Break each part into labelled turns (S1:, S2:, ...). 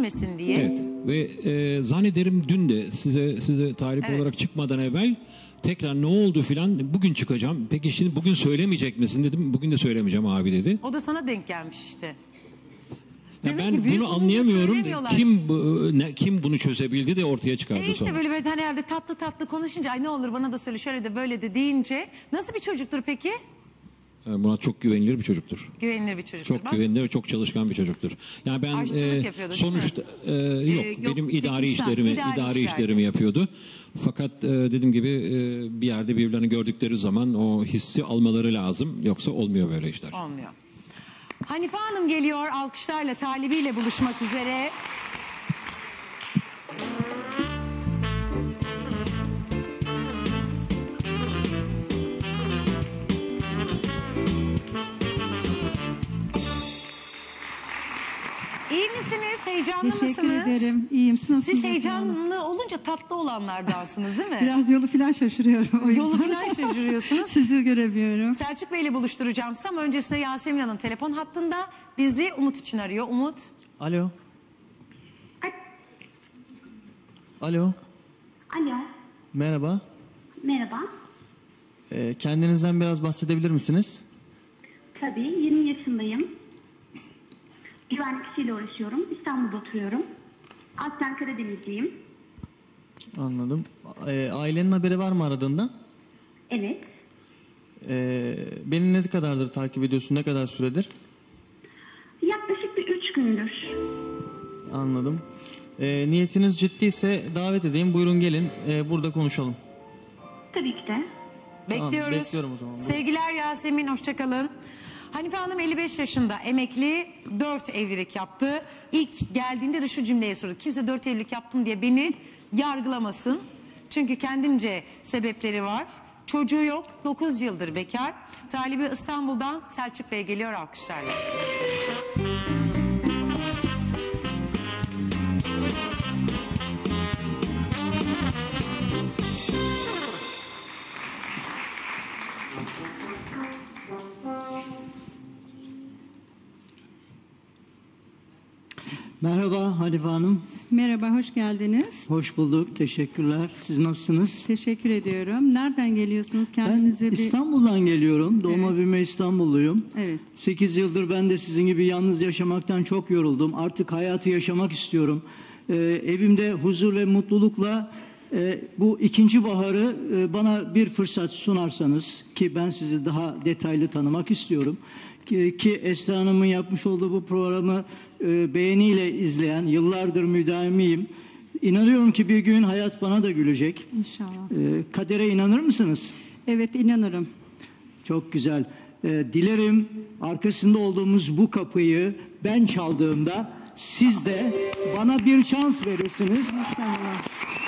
S1: üzülmesin diye.
S2: Evet ve zannederim dün de size talip olarak çıkmadan evvel tekrar ne oldu filan, bugün çıkacağım. Peki şimdi bugün söylemeyecek misin dedim. Bugün de söylemeyeceğim abi dedi.
S1: O da sana denk gelmiş işte.
S2: Ya ben bunu anlayamıyorum. Kim bunu çözebildi de ortaya çıkardı
S1: işte
S2: sonra.
S1: böyle hani herhalde tatlı tatlı konuşunca ay ne olur bana da söyle şöyle de böyle de deyince nasıl bir çocuktur peki?
S2: Murat çok güvenilir bir çocuktur.
S1: Güvenilir bir çocuktur.
S2: Çok güvenilir ve çok çalışkan bir çocuktur. Yani ben sonuçta yok benim idari işlerimi yapıyordu. Fakat dediğim gibi bir yerde birbirlerini gördükleri zaman o hissi almaları lazım. Yoksa olmuyor böyle işler.
S1: Olmuyor. Hanife Hanım geliyor alkışlarla talibiyle buluşmak üzere. İyi misiniz? Heyecanlı mısınız?
S3: Teşekkür ederim. İyiyim.
S1: Siz heyecanlı olunca tatlı olanlardansınız değil mi?
S3: Biraz yolu falan şaşırıyorum.
S1: Yolu falan şaşırıyorsunuz.
S3: Sizi göremiyorum.
S1: Selçuk Bey'le buluşturacağım sizi ama öncesinde Yasemin Hanım telefon hattında bizi Umut için arıyor. Umut.
S4: Alo. Alo.
S5: Alo.
S4: Merhaba.
S5: Merhaba.
S4: Kendinizden biraz bahsedebilir misiniz?
S5: Tabii 20 yaşındayım. Güvenlik işiyle uğraşıyorum. İstanbul'da oturuyorum. Aslen Karadenizliyim.
S4: Anladım. Ailenin haberi var mı aradığında?
S5: Evet.
S4: Beni ne kadardır takip ediyorsun? Ne kadar süredir?
S5: Yaklaşık bir 3 gündür.
S4: Anladım. Niyetiniz ciddiyse davet edeyim. Buyurun gelin. Burada konuşalım.
S5: Tabii ki de.
S1: Bekliyoruz.
S4: Tamam, bekliyorum o zaman.
S1: Sevgiler Yasemin, hoşçakalın. Hanife Hanım 55 yaşında, emekli, 4 evlilik yaptı. İlk geldiğinde de şu cümleyi sordu. Kimse 4 evlilik yaptım diye beni yargılamasın. Çünkü kendince sebepleri var. Çocuğu yok, 9 yıldır bekar. Talibi İstanbul'dan Selçuk Bey geliyor alkışlarla.
S6: Merhaba Hanife Hanım.
S3: Merhaba, hoş geldiniz.
S6: Hoş bulduk, teşekkürler. Siz nasılsınız?
S3: Teşekkür ediyorum. Nereden geliyorsunuz? Kendinize
S6: Ben İstanbul'dan geliyorum. Doğma büyüme İstanbulluyum.
S3: Evet.
S6: 8 yıldır ben de sizin gibi yalnız yaşamaktan çok yoruldum. Artık hayatı yaşamak istiyorum. Evimde huzur ve mutlulukla bu ikinci baharı bana bir fırsat sunarsanız ki ben sizi daha detaylı tanımak istiyorum. Ki Esra Hanım'ın yapmış olduğu bu programı beğeniyle izleyen, yıllardır müdavimiyim. İnanıyorum ki bir gün hayat bana da gülecek.
S3: İnşallah.
S6: Kadere inanır mısınız?
S3: Evet, inanırım.
S6: Çok güzel. Dilerim arkasında olduğumuz bu kapıyı ben çaldığımda siz de bana bir şans verirsiniz.
S3: İnşallah.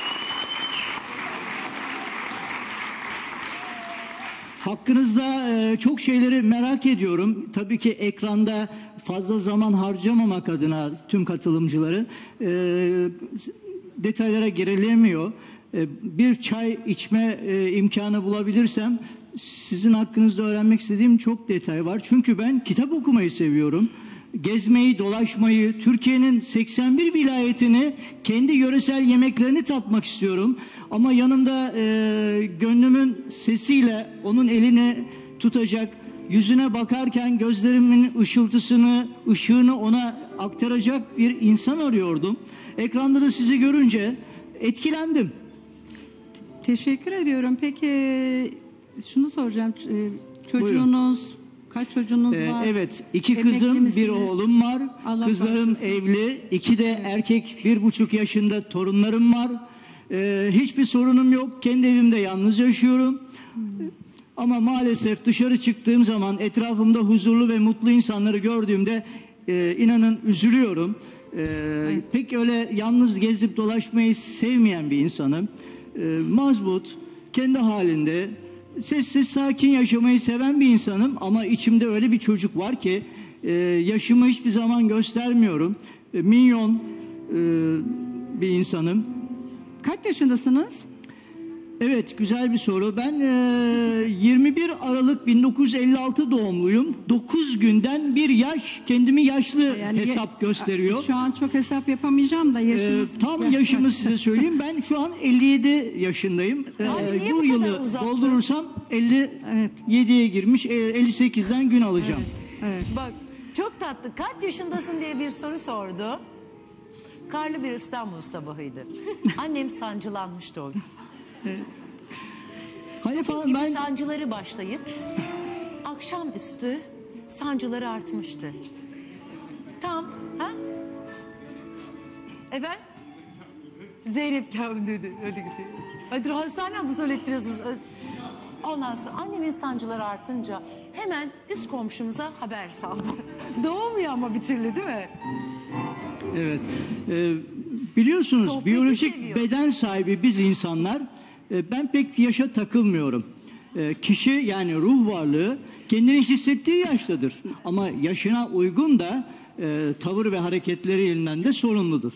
S6: Hakkınızda çok şeyleri merak ediyorum. Tabii ki ekranda fazla zaman harcamamak adına tüm katılımcıları detaylara girilemiyor. Bir çay içme imkanı bulabilirsem sizin hakkınızda öğrenmek istediğim çok detay var. Çünkü ben kitap okumayı seviyorum. Gezmeyi, dolaşmayı, Türkiye'nin 81 vilayetini, kendi yöresel yemeklerini tatmak istiyorum. Ama yanımda gönlümün sesiyle onun elini tutacak, yüzüne bakarken gözlerimin ışığını ona aktaracak bir insan arıyordum. Ekranda da sizi görünce etkilendim.
S3: Teşekkür ediyorum. Peki şunu soracağım. Çocuğunuz, kaç çocuğunuz var?
S6: Evet, 2
S3: Emekli
S6: kızım,
S3: misiniz?
S6: bir oğlum var.
S3: Allah
S6: Kızlarım
S3: bağışlasın.
S6: evli, 2 de erkek, 1,5 yaşında torunlarım var. Hiçbir sorunum yok. Kendi evimde yalnız yaşıyorum. Ama maalesef dışarı çıktığım zaman etrafımda huzurlu ve mutlu insanları gördüğümde inanın üzülüyorum. Pek öyle yalnız gezip dolaşmayı sevmeyen bir insanım. Mazbut, kendi halinde sessiz sakin yaşamayı seven bir insanım ama içimde öyle bir çocuk var ki yaşımı hiçbir zaman göstermiyorum. Minyon bir insanım.
S3: Kaç yaşındasınız?
S6: Evet, güzel bir soru. Ben 21 Aralık 1956 doğumluyum. 9 günden bir yaş kendimi yaşlı
S3: Yani
S6: hesap gösteriyor.
S3: Şu an çok hesap yapamayacağım da yaşınız.
S6: Tam yaşımı size söyleyeyim. Ben şu an 57 yaşındayım.
S1: Abi niye bu
S6: Bu
S1: kadar
S6: yılı
S1: uzattın?
S6: doldurursam 57'ye girmiş. 58'den gün alacağım.
S3: Evet.
S1: Bak çok tatlı. Kaç yaşındasın diye bir soru sordu. Karlı bir İstanbul sabahıydı. Annem sancılanmıştı o gün.
S6: Hanife
S1: Biz
S6: Hanım,
S1: gibi
S6: ben
S1: sancıları başlayıp akşamüstü sancıları artmıştı. Tam ha? Efendim? Zeynep geldi dedi. Öyle gidiyor. Hadi hastane adı söylettiriyorsunuz. Ondan sonra annemin sancıları artınca hemen üst komşumuza haber saldı. Doğmuyor ama bir türlü değil mi?
S6: evet. Biliyorsunuz
S1: Sohbeti
S6: biyolojik
S1: seviyor.
S6: beden sahibi biz insanlar, ben pek yaşa takılmıyorum. Kişi, yani ruh varlığı kendini hissettiği yaştadır. Ama yaşına uygun da tavır ve hareketlerinden de sorumludur.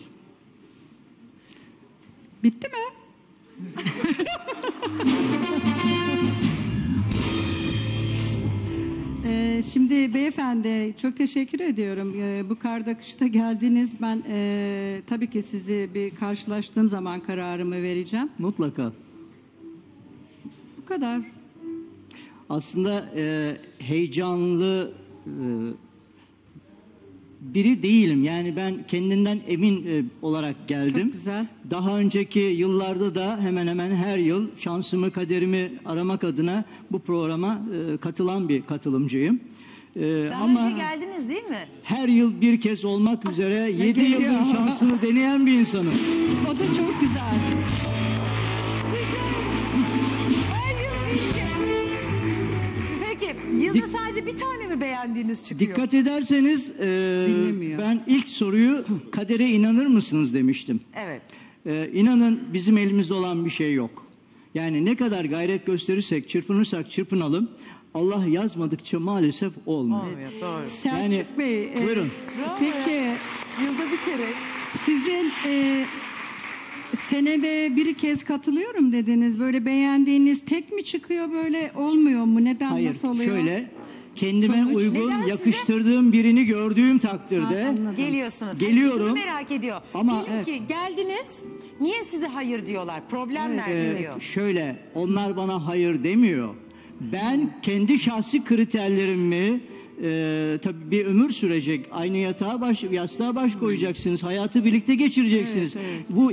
S3: Bitti mi? Şimdi beyefendi çok teşekkür ediyorum. Bu karda kışta geldiniz. Ben tabii ki sizi bir karşılaştığım zaman kararımı vereceğim.
S6: Mutlaka.
S3: Bu kadar.
S6: Aslında heyecanlı biri değilim. Yani ben kendinden emin olarak geldim.
S3: Çok güzel.
S6: Daha önceki yıllarda da hemen hemen her yıl şansımı, kaderimi aramak adına bu programa katılan bir katılımcıyım.
S1: Daha
S6: Ama
S1: önce geldiniz değil mi?
S6: her yıl bir kez olmak üzere 7
S3: geliyor.
S6: yıldır şansımı deneyen bir insanım.
S3: O da çok güzel.
S1: Her yıl bir kez. Peki yılda sadece bir tane mi beğendiğiniz çıkıyor?
S6: Dikkat ederseniz
S3: Dinlemiyor.
S6: ben ilk soruyu kadere inanır mısınız demiştim.
S1: Evet.
S6: İnanın bizim elimizde olan bir şey yok. Yani ne kadar gayret gösterirsek, çırpınırsak çırpınalım, Allah yazmadıkça maalesef olmuyor.
S1: Olmuyor, doğru.
S3: Selçuk
S6: Yani,
S3: Bey.
S6: buyurun.
S3: Peki
S1: Yılda bir kere.
S3: sizin senede bir kez katılıyorum dediniz. Böyle beğendiğiniz tek mi çıkıyor, böyle olmuyor mu? Neden,
S6: Hayır,
S3: nasıl oluyor?
S6: şöyle kendime
S3: Sonuç?
S6: uygun,
S1: Neden size?
S6: yakıştırdığım birini gördüğüm takdirde
S3: Ha, anladım.
S1: Geliyorsunuz.
S6: Geliyorum.
S1: Şunu merak ediyor.
S6: Ama-
S1: Diyelim ki geldiniz. Niye size hayır diyorlar? Problem nerede diyor.
S6: şöyle, onlar bana hayır demiyor. Ben kendi şahsi kriterlerimi, tabii bir ömür sürecek. Aynı yastığa baş koyacaksınız. Hayatı birlikte geçireceksiniz.
S3: Evet, evet.
S6: Bu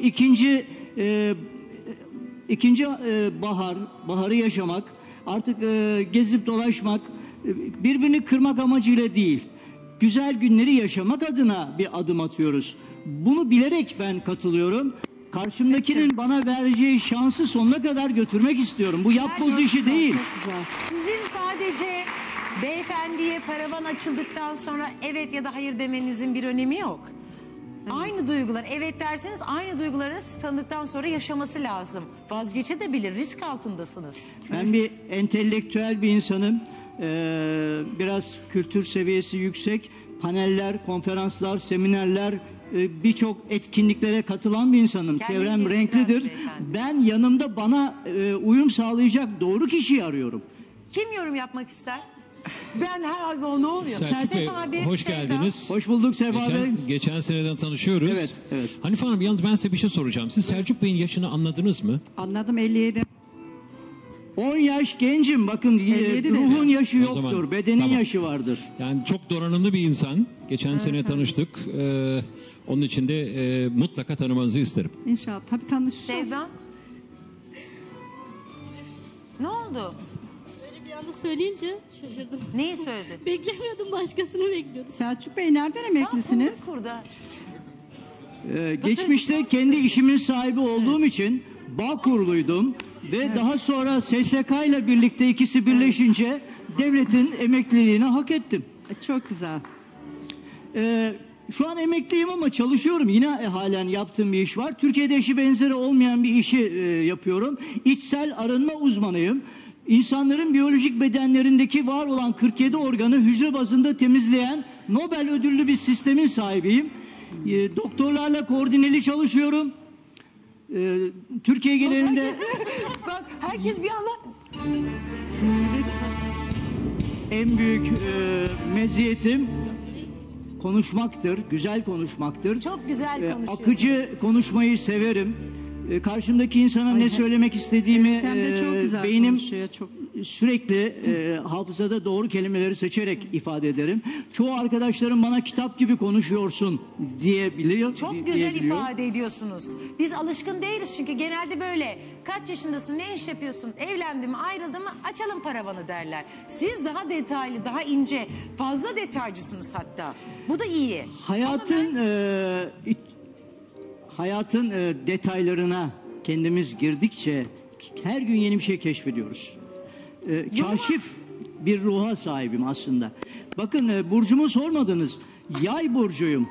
S6: ikinci baharı yaşamak, artık gezip dolaşmak, birbirini kırmak amacıyla değil, güzel günleri yaşamak adına bir adım atıyoruz. Bunu bilerek ben katılıyorum. Karşımdakinin bana vereceği şansı sonuna kadar götürmek istiyorum. Bu yapboz işi değil.
S3: Çok güzel.
S1: Sizin sadece beyefendiye paravan açıldıktan sonra evet ya da hayır demenizin bir önemi yok. Aynı duygular, evet derseniz aynı duyguları siz tanıdıktan sonra yaşaması lazım. Vazgeçebilir, risk altındasınız.
S6: Ben bir entelektüel bir insanım. Biraz kültür seviyesi yüksek. Paneller, konferanslar, seminerler, birçok etkinliklere katılan bir insanım.
S1: Kendini
S6: Çevrem
S1: geliştiren
S6: renklidir.
S1: beyefendi.
S6: Ben yanımda bana uyum sağlayacak doğru kişiyi arıyorum.
S1: Kim yorum yapmak ister? Ben her abi o ne oluyor?
S2: Selçuk Bey,
S1: abi,
S2: hoş
S1: Sevda.
S2: geldiniz.
S6: Hoş bulduk Sefa Bey.
S2: Geçen seneden tanışıyoruz.
S6: Evet, evet.
S2: Hanife Hanım, yalnız ben size bir şey soracağım. Siz Selçuk Bey'in yaşını anladınız mı?
S3: Anladım, 57.
S6: 10 yaş gencim. Bakın
S3: 57
S6: ruhun
S3: dedi.
S6: yaşı
S2: O
S6: yoktur.
S2: zaman,
S6: Bedenin
S2: tamam.
S6: yaşı vardır.
S2: Yani çok donanımlı bir insan. Geçen sene tanıştık. Onun için de mutlaka tanımanızı isterim.
S3: İnşallah. Tabii tanışacağız.
S1: Sevda. Ne oldu?
S7: Böyle bir anda söyleyince şaşırdım.
S1: Neyi söyledi?
S7: Beklemiyordum, başkasını bekliyordum.
S3: Selçuk Bey nereden emeklisiniz?
S1: Kurda.
S6: Geçmişte kendi işimin sahibi olduğum için Bağkurluydum ve daha sonra SSK ile birlikte ikisi birleşince devletin emekliliğini hak ettim.
S3: Çok güzel.
S6: Şu an emekliyim ama çalışıyorum. Yine halen yaptığım bir iş var. Türkiye'de eşi benzeri olmayan bir işi yapıyorum. İçsel arınma uzmanıyım. İnsanların biyolojik bedenlerindeki var olan 47 organı hücre bazında temizleyen Nobel ödüllü bir sistemin sahibiyim. Doktorlarla koordineli çalışıyorum. Türkiye genelinde
S1: Bak herkes bir anda
S6: en büyük meziyetim konuşmaktır, güzel konuşmaktır.
S1: çok güzel konuşuyorsun.
S6: Akıcı konuşmayı severim. Karşımdaki insana ne söylemek istediğimi
S3: Hem de çok güzel
S6: beynim
S3: konuşuyor, çok.
S6: sürekli hafızada doğru kelimeleri seçerek ifade ederim. Çoğu arkadaşlarım bana kitap gibi konuşuyorsun diyebiliyor.
S1: Çok güzel ifade ediyorsunuz. Biz alışkın değiliz çünkü genelde böyle kaç yaşındasın, ne iş yapıyorsun, evlendin mi, ayrıldın mı, açalım paravanı derler. Siz daha detaylı, daha ince, fazla detaycısınız hatta. Bu da iyi.
S6: Hayatın detaylarına kendimiz girdikçe her gün yeni bir şey keşfediyoruz. Kaşif bir ruha sahibim aslında. Bakın burcumu sormadınız. Yay burcuyum.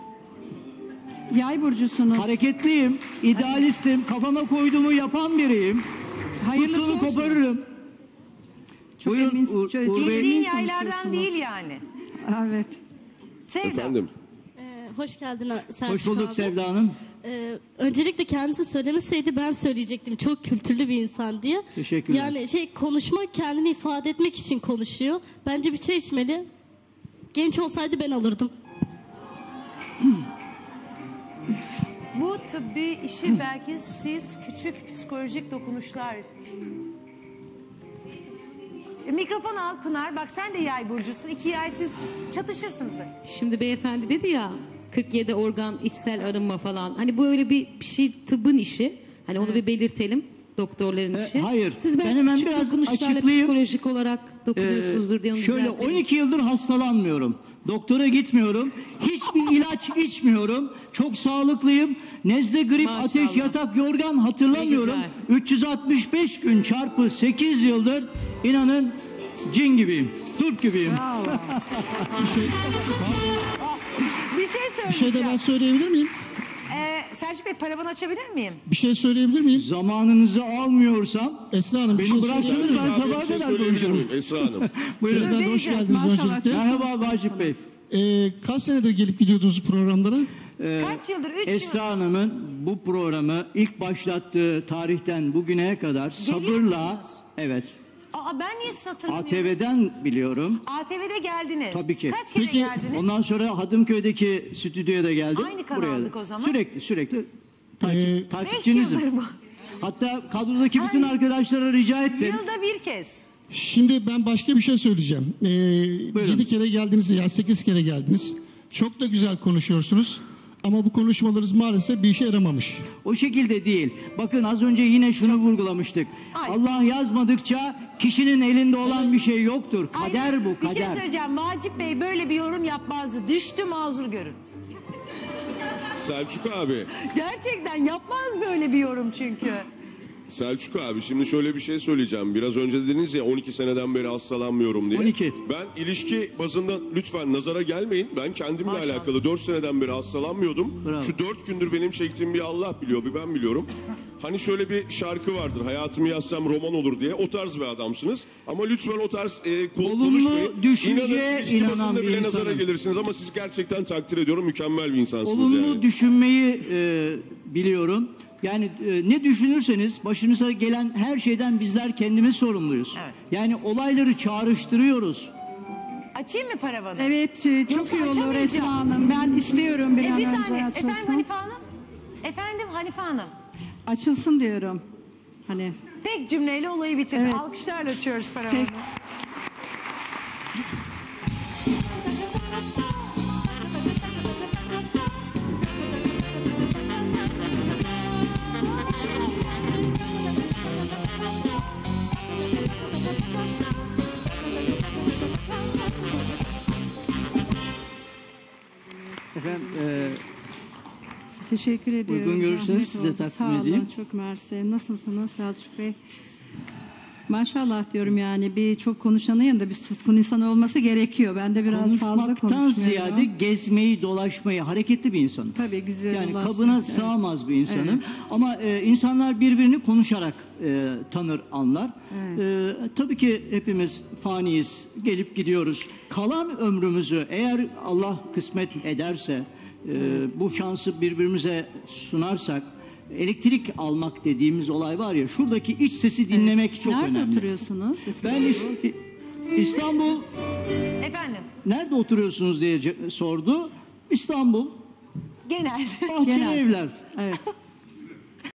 S3: Yay burcusunuz.
S6: Hareketliyim, idealistim, kafama koyduğumu yapan biriyim.
S3: Hayırlısı
S6: Tuttuğumu
S3: olsun.
S6: koparırım.
S3: Çok
S6: Buyurun,
S3: emin,
S6: Uğur
S3: çok
S6: Bey.
S1: Bildiğin
S3: emin
S1: yaylardan
S3: konuşuyorsunuz.
S1: değil yani.
S3: Evet.
S1: Sevda.
S8: Efendim.
S7: Hoş geldin Selçuk
S6: Hoş bulduk
S7: abi.
S6: Sevda Hanım.
S7: Öncelikle kendisi söylemeseydi ben söyleyecektim. Çok kültürlü bir insan diye.
S6: Teşekkürler.
S7: Yani konuşmak, kendini ifade etmek için konuşuyor. Bence bir çay içmeli. Genç olsaydı ben alırdım.
S1: Bu tıbbi işi belki siz küçük psikolojik dokunuşlar. Mikrofon al Pınar. Bak sen de yay burcusun. 2 yay siz çatışırsınız böyle.
S9: Şimdi beyefendi dedi ya 47 organ içsel arınma falan. Hani bu öyle bir şey tıbbın işi. Hani onu bir belirtelim. Doktorların işi.
S6: Hayır.
S9: Siz
S6: Ben
S9: belki
S6: hemen
S9: küçük
S6: biraz
S9: dokunuşlarla
S6: açıklayayım.
S9: psikolojik olarak dokunuyorsunuzdur diye onu
S6: Şöyle
S9: düzeltelim.
S6: 12 yıldır hastalanmıyorum. Doktora gitmiyorum. Hiçbir ilaç içmiyorum. Çok sağlıklıyım. Nezle, grip,
S9: Maşallah.
S6: ateş, yatak, yorgan hatırlamıyorum.
S9: Ne
S6: 365 gün çarpı 8 yıldır inanın cin gibiyim. Turp gibiyim.
S1: Bir şey
S10: Bir şey de
S1: söyleyeceğim.
S10: ben söyleyebilir miyim?
S1: Selçuk Bey paravanı açabilir miyim?
S10: Bir şey söyleyebilir miyim?
S6: Zamanınızı almıyorsam
S10: Esra Hanım bir
S6: beni
S10: şey
S6: bıraksanız
S10: söyleyebilir
S6: ben
S10: miyim?
S6: sabaha
S8: Bir şey
S6: kadar
S8: söyleyebilir
S6: konuşurum.
S8: miyim Esra Hanım?
S6: Buyurun.
S10: Beyefendi hoş geldiniz
S3: Maşallah.
S10: öncelikle.
S6: Merhaba Vacip Bey.
S10: Kaç senedir gelip gidiyordunuz programlara?
S1: Kaç yıldır? 3 yıl.
S6: Esra Hanım'ın bu programı ilk başlattığı tarihten bugüne kadar sabırla,
S1: musunuz?
S6: evet,
S1: Aa, ben niye sizi hatırlamıyorum?
S6: ATV'den biliyorum.
S1: ATV'de geldiniz.
S6: Tabii ki.
S1: Kaç kere
S10: Peki,
S1: geldiniz?
S6: Ondan sonra Hadımköy'deki stüdyoya da geldim.
S1: Aynı kanaldık o zaman.
S6: Sürekli
S1: Beş
S6: takipçinizim.
S1: yıldır mı?
S6: Hatta kadrodaki bütün arkadaşlara rica ettim.
S1: Yılda bir kez.
S10: Şimdi ben başka bir şey söyleyeceğim.
S6: Buyurun.
S10: 7 kere geldiniz ya 8 kere geldiniz. Çok da güzel konuşuyorsunuz. Ama bu konuşmalarınız maalesef bir işe yaramamış.
S6: O şekilde değil. Bakın az önce yine şunu vurgulamıştık.
S1: Ay.
S6: Allah yazmadıkça kişinin elinde olan bir şey yoktur. Kader
S1: Hayır,
S6: bu,
S1: Bir
S6: kader.
S1: şey söyleyeceğim. Vacip Bey böyle bir yorum yapmazdı. Düştü mazur görün.
S8: Selçuk abi.
S1: Gerçekten yapmaz böyle bir yorum çünkü.
S8: Selçuk abi şimdi şöyle bir şey söyleyeceğim. Biraz önce dediniz ya 12 seneden beri hastalanmıyorum diye.
S6: 12.
S8: Ben ilişki bazında lütfen nazara gelmeyin. Ben kendimle
S6: Maşallah.
S8: alakalı 4 seneden beri hastalanmıyordum.
S6: Bravo.
S8: Şu 4 gündür benim çektiğim bir Allah biliyor, bir ben biliyorum. Hani şöyle bir şarkı vardır. Hayatımı yazsam roman olur diye. O tarz bir adamsınız. Ama lütfen o tarz
S6: Olumlu
S8: konuşmayın.
S6: düşünceye
S8: İlişki
S6: inanan
S8: bazında
S6: bir
S8: bile nazara
S6: insanım.
S8: gelirsiniz. Ama sizi gerçekten takdir ediyorum. Mükemmel bir insansınız
S6: Olumlu
S8: yani.
S6: düşünmeyi biliyorum. Yani ne düşünürseniz başınıza gelen her şeyden bizler kendimiz sorumluyuz.
S1: Evet.
S6: Yani olayları çağrıştırıyoruz.
S1: Açayım mı paravanı?
S3: Evet, çok
S1: Yoksa
S3: iyi olur
S1: açamayacağım.
S3: Esra Hanım. Ben istiyorum bir an
S1: Bir
S3: önce
S1: saniye. Efendim
S3: açılsın.
S1: Hanife Hanım? Efendim Hanife Hanım?
S3: Açılsın diyorum. Hani
S1: Tek cümleyle olayı bitirdi.
S3: Evet.
S1: Alkışlarla açıyoruz paravanı.
S3: Peki.
S6: Efendim
S3: teşekkür ediyorum.
S6: Uygun görürseniz
S3: Zahmet
S6: size
S3: oldu.
S6: takdim
S3: Sağ olun,
S6: edeyim.
S3: çok mersi. Nasılsınız Selçuk Bey? Maşallah diyorum yani bir çok konuşanın yanında bir suskun insan olması gerekiyor. Ben de biraz fazla
S6: konuşmaktan
S3: konuşmuyorum.
S6: ziyade gezmeyi, dolaşmayı, hareketli bir insanım.
S3: Tabii güzel
S6: Yani
S3: ulaşmak,
S6: kabına
S3: evet.
S6: sığamaz bir insanım.
S3: Evet.
S6: Ama insanlar birbirini konuşarak tanır, anlar. Tabii ki hepimiz faniyiz, gelip gidiyoruz. Kalan ömrümüzü eğer Allah kısmet ederse bu şansı birbirimize sunarsak elektrik almak dediğimiz olay var ya, şuradaki iç sesi dinlemek çok önemli.
S3: Nerede oturuyorsunuz?
S6: Ben İstanbul,
S1: Efendim?
S6: nerede oturuyorsunuz diye sordu. İstanbul,
S1: Genel.
S6: Bahçeli Evler.
S3: Evet.